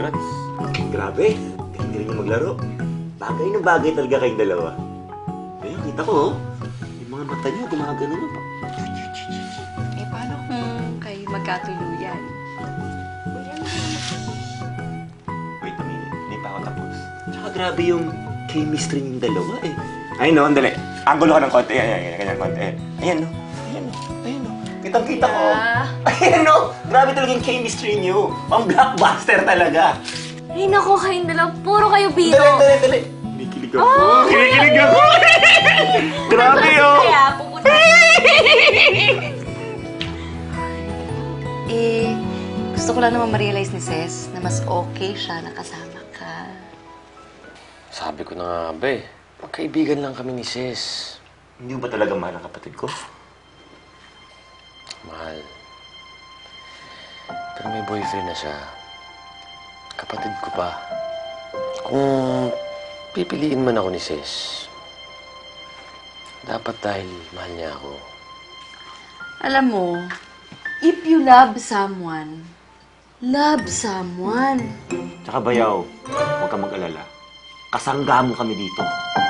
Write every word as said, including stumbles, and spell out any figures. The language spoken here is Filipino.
congrats. Grabe, galing yung maglaro. Bagay na bagay talaga kayong dalawa. Ayun, kita ko, oh. Yung mga mata niyo, gumagano na. Eh, paano kung kayo magkatuluyan? Wait a minute, hindi pa ako tapos. Tsaka grabe yung chemistry ng dalawa, eh. Ayun, no, andali. Angulo ka ng konti. Ayan, ayan, ganyan, konti. Ayan, no. Ayan, no. Ayan, no. Kitang-kita ko. Ayan, no. Grabe talaga yung chemistry niyo. Pang blockbuster talaga. Ay, naku, kayong dalawa. Puro kayo biro. Dali, dali, dali. Kinikilig ako. Oh! Kinikilig ako. Grabe, oh. Kaya, pupunta. Eh, gusto ko lang naman ma-realize ni Ses na mas okay siya na kasama ka. Sabi ko na nga ba eh, magkaibigan lang kami ni Sis. Hindi mo ba talaga mahal ang kapatid ko? Mahal. Pero may boyfriend na siya. Kapatid ko pa. Kung pipiliin man ako ni Sis, dapat dahil mahal niya ako. Alam mo, if you love someone, love someone. Tsaka bayaw, huwag kang mag-alala. Kasangga mo kami dito.